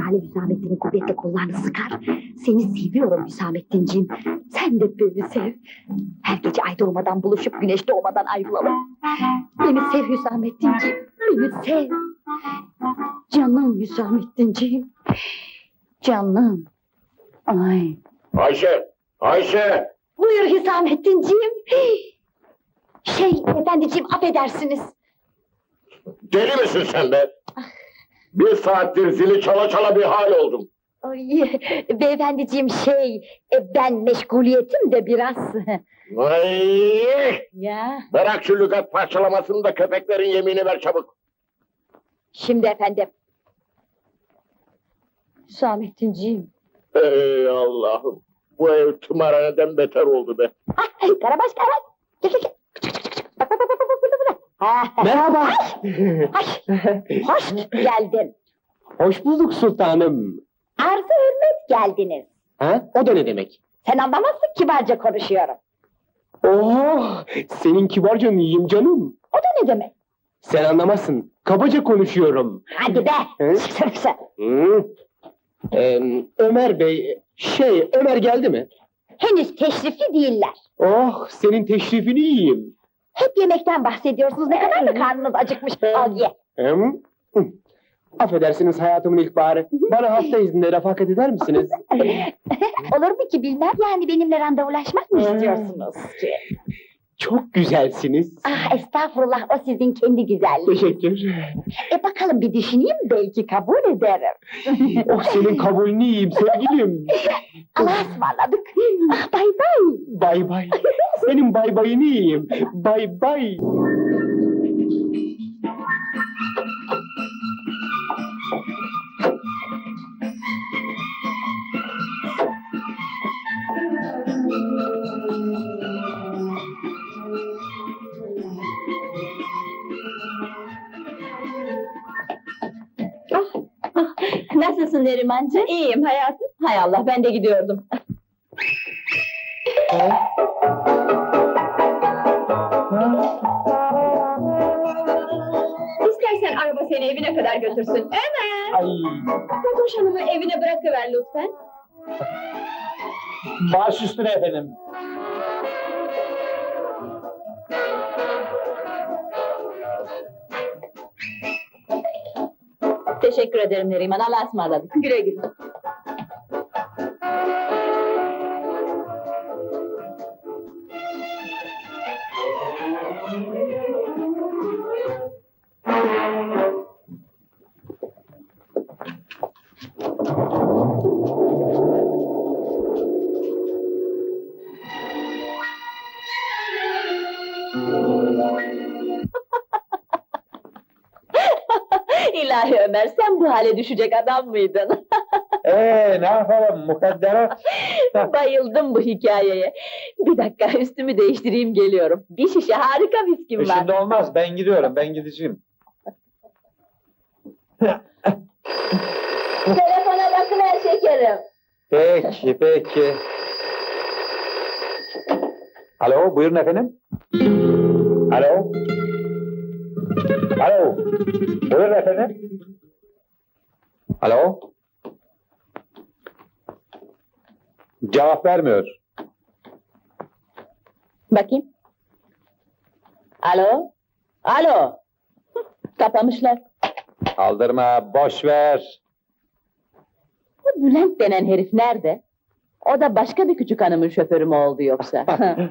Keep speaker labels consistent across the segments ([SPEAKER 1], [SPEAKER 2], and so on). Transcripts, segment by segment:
[SPEAKER 1] Lale Hüsamettin'in kuvvetli kollarını sıkar. Seni seviyorum Hüsamettinciğim. Sen de beni sev. Her gece ay doğmadan buluşup güneş doğmadan ayrılalım. Beni sev Hüsamettinciğim. Beni sev. Canım Hüsamettinciğim. Canım. Ay.
[SPEAKER 2] Ayşe! Ayşe!
[SPEAKER 1] Buyur Hüsamettinciğim. Efendiciğim affedersiniz.
[SPEAKER 2] Deli misin sen be? Bir saattir zili çala çala bir hal oldum.
[SPEAKER 1] Ay, beyefendiciğim ben meşguliyetim de biraz.
[SPEAKER 2] Ay!
[SPEAKER 1] Ya.
[SPEAKER 2] Bırak şu lügat parçalamasını da köpeklerin yemini ver çabuk.
[SPEAKER 1] Şimdi efendim. Hüsamettinciğim.
[SPEAKER 2] Ey Allah'ım! Bu ev tımarhaneden beter oldu be.
[SPEAKER 1] Karabaş. Gel. Bak.
[SPEAKER 3] Merhaba.
[SPEAKER 1] Hoş geldin.
[SPEAKER 3] Hoş bulduk sultanım.
[SPEAKER 1] Arz-ı hürmet geldiniz.
[SPEAKER 3] Ha? O da ne demek?
[SPEAKER 1] Sen anlamazsın, kibarca konuşuyorum.
[SPEAKER 3] Oh, senin kibarca iyiyim canım.
[SPEAKER 1] O da ne demek?
[SPEAKER 3] Sen anlamazsın. Kabaca konuşuyorum.
[SPEAKER 1] Hadi be.
[SPEAKER 3] Hı?
[SPEAKER 1] Sen.
[SPEAKER 3] Hı? Ömer Bey, Ömer geldi mi?
[SPEAKER 1] Henüz teşrifli değiller.
[SPEAKER 3] Oh, senin teşrifini yiyeyim.
[SPEAKER 1] Hep yemekten bahsediyorsunuz. Ne kadar da karnınız acıkmış. Al ye.
[SPEAKER 3] Hı? Hı. Affedersiniz hayatımın ilk baharı. Bana hafta izninde refakat eder misiniz?
[SPEAKER 1] Olur mu ki bilmem. Yani benimle randevulaşmak mı istiyorsunuz ki?
[SPEAKER 3] Çok güzelsiniz.
[SPEAKER 1] Ah estağfurullah, o sizin kendi güzelliğiniz.
[SPEAKER 3] Teşekkür.
[SPEAKER 1] Bakalım bir düşüneyim, belki kabul ederim.
[SPEAKER 3] Oh, senin kabulünü yiyeyim sevgilim.
[SPEAKER 1] Allah'a ısmarladık. Ah bay bay.
[SPEAKER 3] Bay bay. Senin bay bayını yiyeyim. Bay bay.
[SPEAKER 1] Nasılsın Nerimancığım? İyiyim hayatım. Hay Allah, ben de gidiyordum. İstersen araba seni evine kadar götürsün. Ömer!
[SPEAKER 3] Ay.
[SPEAKER 1] Fatoş Hanım'ı evine bırakıver lütfen.
[SPEAKER 3] Baş üstüne efendim.
[SPEAKER 1] Teşekkür ederim Neriman, Allah'a ısmarladık. Güle güle. İlahi Ömer, sen bu hale düşecek adam mıydın?
[SPEAKER 4] Ne yapalım mukadderat?
[SPEAKER 1] Bayıldım bu hikayeye. Bir dakika, üstümü değiştireyim, geliyorum. Bir şişe harika viskim var.
[SPEAKER 4] Şimdi olmaz, ben gidiyorum, ben gideceğim.
[SPEAKER 1] Telefona bakıver şekerim.
[SPEAKER 4] Peki. Alo, buyurun efendim. Alo. Buyurun efendim. Alo. Cevap vermiyor.
[SPEAKER 1] Bakayım. Alo? Hıh, kapamışlar.
[SPEAKER 4] Aldırma, boş ver.
[SPEAKER 1] Bu Bülent denen herif nerede? O da başka bir küçük hanımın şoförü mü oldu yoksa?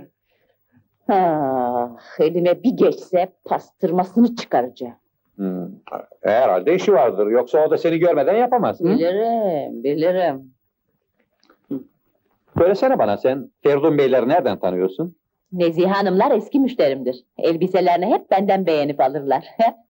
[SPEAKER 1] Elime bir geçse pastırmasını çıkaracağım.
[SPEAKER 4] Herhalde işi vardır, yoksa o da seni görmeden yapamaz.
[SPEAKER 1] Bilirim.
[SPEAKER 4] Söylesene bana, sen Feridun Beyleri nereden tanıyorsun?
[SPEAKER 1] Nezihe hanımlar eski müşterimdir. Elbiselerini hep benden beğenip alırlar.